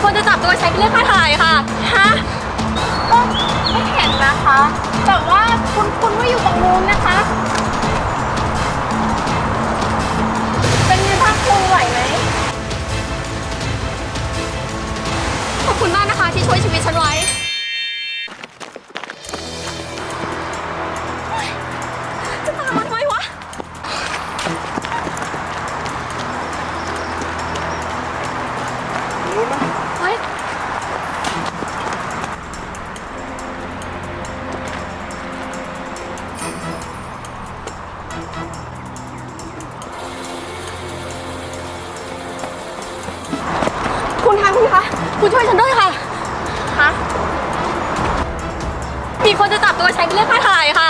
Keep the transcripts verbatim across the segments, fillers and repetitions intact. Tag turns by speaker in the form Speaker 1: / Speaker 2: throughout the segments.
Speaker 1: คนจะจับตัวฉันไปเรียกค่าถ่ายค่ะฮะ
Speaker 2: ก็ไม่เห็นนะคะ แต่ว่าคุณคุณว่าอยู่ตรงนู้นนะคะ เป็นไงบ้างคุณไหวไหม
Speaker 1: ขอบคุณมากนะคะที่ช่วยชีวิตฉันไว้จะตามมาทำไมวะ
Speaker 3: รู้ไหม
Speaker 1: เฮ้ยคุณคะคุณคะคุณช่วยฉันด้วยค่ะ
Speaker 2: คะ
Speaker 1: มีคนจะจับตัวฉันไปเรียกค่าถ่ายค่ะ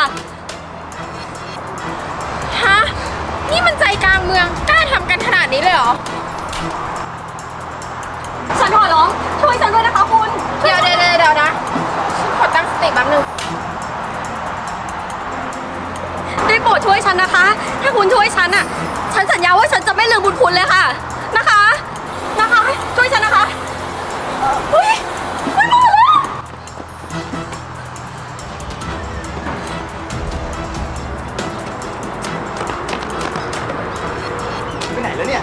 Speaker 2: ฮะนี่มันใจกลางเมืองกล้าทำกันขนาดนี้เลยเหรอ
Speaker 1: ฉันขอร้องช่วยฉันด้วยนะคะคุณ
Speaker 2: เดี๋ยวเดี๋ยวเดี๋ยวนะฉันขอตั้งสติแป๊บนึง
Speaker 1: ได้โปรดช่วยฉันนะคะ ถ้าคุณช่วยฉันอ่ะ ฉันสัญญาว่าฉันจะไม่ลืมบุญคุณเลยค่ะ นะคะ นะคะ ช่วยฉันนะคะเฮ้ยไม่มาแล้ว
Speaker 3: ไปไหนแล้วเนี่ย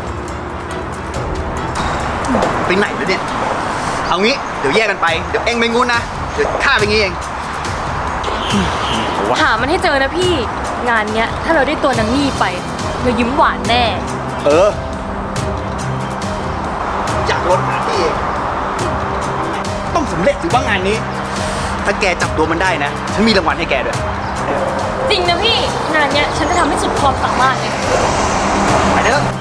Speaker 3: ไปไหนแล้วเนี่ยเอางี้เดี๋ยวแยกกันไปเดี๋ยวเองไปงูนนะเดี๋ยวข้าไปงี้เอง
Speaker 4: หามันให้เจอนะพี่ งานเนี้ยถ้าเราได้ตัวนางนี่ไปเรายิ้มหวานแน่
Speaker 3: เอออยากลดหาที่เองต้องสำเร็จสิว่างานนี้ ถ้าแกจับตัวมันได้นะฉันมีรางวัลให้แกด้วย
Speaker 4: จริงนะพี่ งานเนี้ยฉันจะทำให้สุดความสามารถเลย
Speaker 3: ไปเด้อ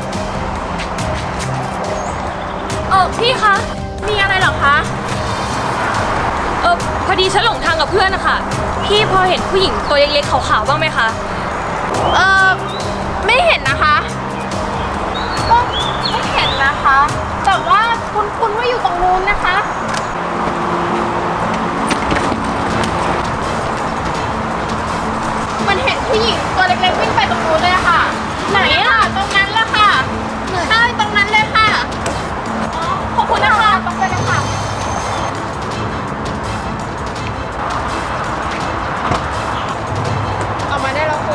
Speaker 4: เออพี่คะ
Speaker 2: มีอะไรเหรอคะ
Speaker 4: เออพอดีฉันหลงทางกับเพื่อนนะคะพี่พอเห็นผู้หญิงตัวเล็กๆขาวๆบ้างไหมคะ
Speaker 2: เออไม่เห็นนะคะ ก็ไม่เห็นนะคะ แต่ว่าคุณคุณว่าอยู่ตรงนู้นนะคะ มันเห็นผู้หญิงตัวเล็กๆวิ่งไปตรงนู้นเลยอะค่ะ ไหนอะตรงนั้นละค่ะใช่ตรงนั้นเลยค่ะอ๋อขอบคุณนะคะตรงไปเลยค่ะออกมาได้แล้วคุณ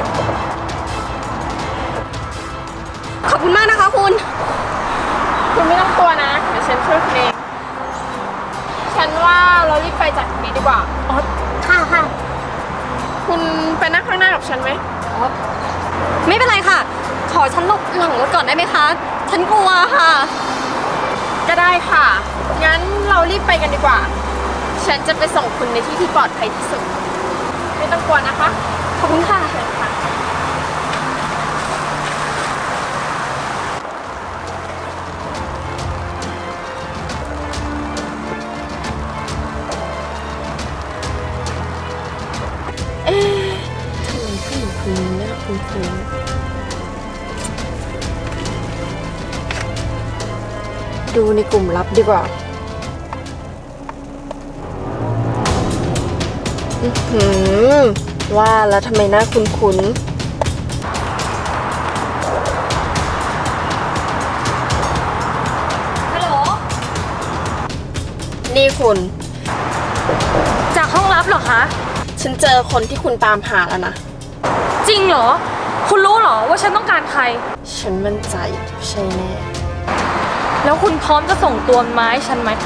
Speaker 1: ขอบคุณมากนะคะคุณ
Speaker 2: คุณไม่ต้องกลัวนะ เดี๋ยวฉันช่วยคุณเอง ฉันว่าเรารีบไปจากตรงนี้ดีกว่า
Speaker 1: อ๋อ ค่ะค่ะ
Speaker 2: คุณไปนั่งข้างหน้ากับฉันไหม
Speaker 1: อ๋อ ไม่เป็นไรค่ะ ขอฉันหลบหลังรถก่อนได้ไหมคะ ฉันกลัวค่ะ
Speaker 2: ก็ได้ค่ะ งั้นเรารีบไปกันดีกว่า ฉันจะไปส่งคุณในที่ที่ปลอดภัยที่สุด ไม่ต้องกลัวนะคะ
Speaker 1: ขอบคุณค่ะ
Speaker 2: เชิญค่ะ เอ๊ะทำไมผู้หญิงคนนี้น่าคุ้นๆดูในกลุ่มลับดีกว่า อื้อหือว่าแล้วทำไมน่าคุ้นๆ
Speaker 4: ฮัลโหล
Speaker 2: นี่คุณ
Speaker 4: จากห้องลับเหรอคะ
Speaker 2: ฉันเจอคนที่คุณตามหาแล้วนะ
Speaker 4: จริงเหรอ คุณรู้เหรอว่าฉันต้องการใคร
Speaker 2: ฉันมั่นใจใช่แน่
Speaker 4: แล้วคุณพร้อมจะส่งตัวมันมาให้ฉันไหม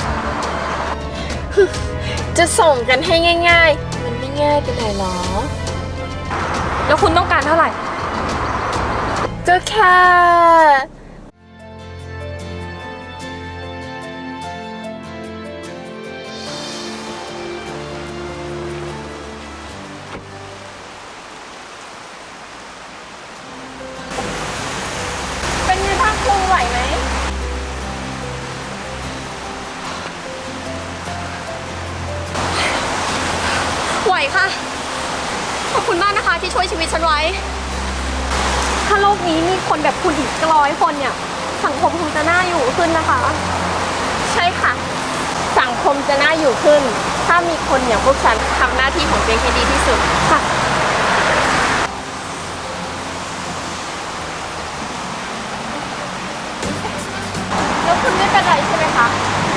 Speaker 2: จะส่งกันให้ง่ายๆ มันไม่ง่ายไปไหนหรอ
Speaker 4: แล้วคุณต้องการเท่าไหร่
Speaker 2: ก็แค่เป็นไงบ้างคุณไหวไหม
Speaker 1: ไหวค่ะ ขอบคุณมากนะคะที่ช่วยชีวิตฉันไว้ ถ้าโลกนี้มีคนแบบคุณอีกร้อยคนเนี่ย สังคมคงจะน่าอยู่ขึ้นนะคะ
Speaker 2: ใช่ค่ะ สังคมจะน่าอยู่ขึ้น ถ้ามีคนอย่างพวกฉันทำหน้าที่ของตัวเองให้ดีที่สุดค่ะ แล้วคุณไม่เป็นไรใช่ไหมคะ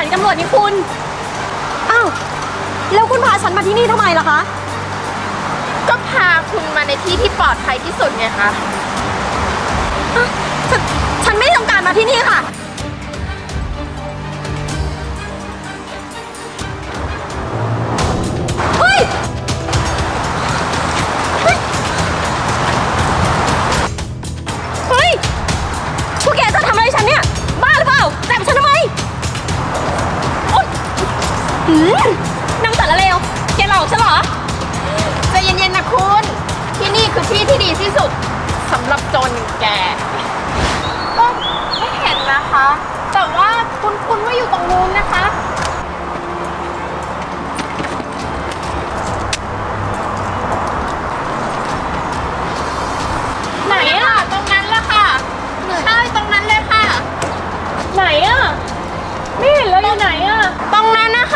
Speaker 1: านีตำรวจนี่คุณ อ้าว แล้วคุณพาฉันมาที่นี่ทำไมล่ะคะ
Speaker 2: ก็พาคุณมาในที่ที่ปลอดภัยที่สุดไงคะ
Speaker 1: อ่ะฉันฉันไม่ได้ต้องการมาที่นี่ค่ะ เฮ้ย เฮ้ย เฮ้ย พวกแกจะทำอะไรฉันเนี่ย บ้าหรือเปล่าจับฉันทำไมโอ๊ยหืมนางสารเลว แกหลอกฉันเหรอ
Speaker 2: ใจเย็นๆนะคุณ ที่นี่คือที่ที่ดีที่สุดสำหรับโจรอย่างแก ก็ไม่เห็นนะคะ แต่ว่าคุณคุณว่าอยู่ตรงนู้นนะคะ ไหนอะตรงนั้นแหละค่ะใช่ตรงนั้นเลยค่ะ
Speaker 4: ไหนอะไม่เห็นแล้วอยู่ไหนอะ
Speaker 2: ตรงนั้นนะคะ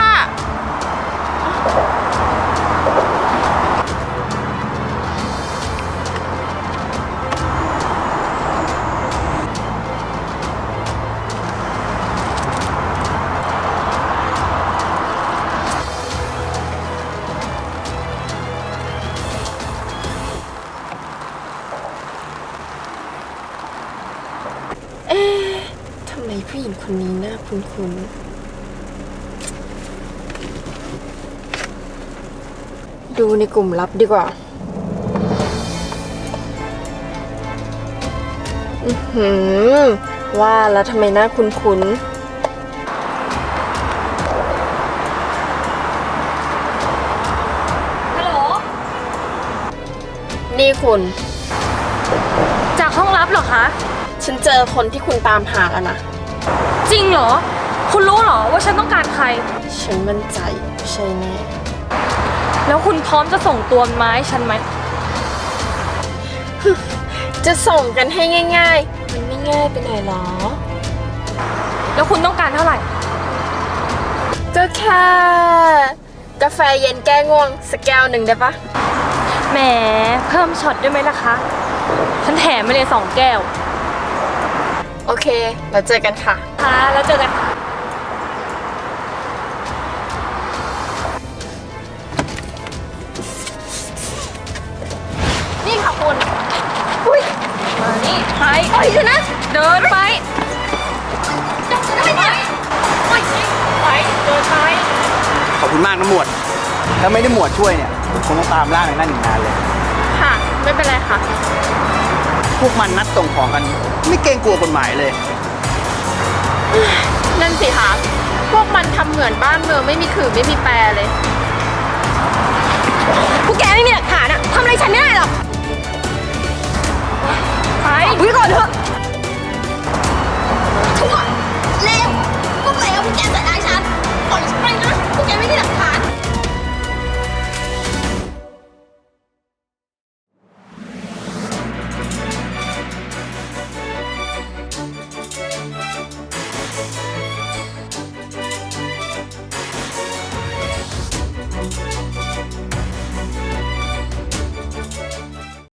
Speaker 2: เอ๊ะทำไมผู้หญิงคนนี้น่าคุ้นๆ ดูในกลุ่มลับดีกว่า อือหือ ว่าแล้วทำไมน่าคุ้น
Speaker 4: ฮัลโหล
Speaker 2: ๆ นี่คุณ
Speaker 4: จากห้องลับเหรอคะ
Speaker 2: ฉันเจอคนที่คุณตามหาแล้วนะ
Speaker 4: จริงเหรอ คุณรู้เหรอว่าฉันต้องการใคร
Speaker 2: ฉันมั่นใจใช่แน่
Speaker 4: แล้วคุณพร้อมจะส่งตัวมันมาให้ฉันไหม
Speaker 2: จะส่งกันให้ง่ายๆ มันไม่ง่ายไปหน่อยหรอ
Speaker 4: แล้วคุณต้องการเท่าไหร่
Speaker 2: ก็แค่ กาแฟเย็นแก้ง่วงสักแก้วหนึ่งได้ปะ
Speaker 4: แหม เพิ่มช็อตได้ไหมล่ะคะ ฉันแถมไปเลยสองแก้ว
Speaker 2: โอเค เราเจอกันค่ะ
Speaker 4: ค่ะ แล้วเจอกันค่ะ
Speaker 1: นี่ค่ะคุณ อุ้ย
Speaker 4: มานี่ไป
Speaker 1: ปล่อยฉันนะ
Speaker 4: เดินไป
Speaker 1: จับฉันทำไมเนี่ยปล่อยฉัน
Speaker 4: ไป เดินไป
Speaker 3: ขอบคุณมากนะหมวด ถ้าไม่ได้หมวดช่วยเนี่ยผมคงต้องตามล่าในนั่นอีกนานเลย
Speaker 2: ค่ะ ไม่เป็นไรค่ะ
Speaker 3: พวกมันนัดส่งของกัน ไม่เกรงกลัวกฎหมายเลย
Speaker 2: นั่นสิคะ พวกมันทำเหมือนบ้านเมืองไม่มีขื่อไม่มีแปรเลย
Speaker 1: พวกแกไม่มีหลักฐานอะทำอะไรฉันไม่ได้หรอก
Speaker 4: ไป
Speaker 1: อุ้ยก่อนเถอะชั่วเลวพวกเลวพวกแกจะ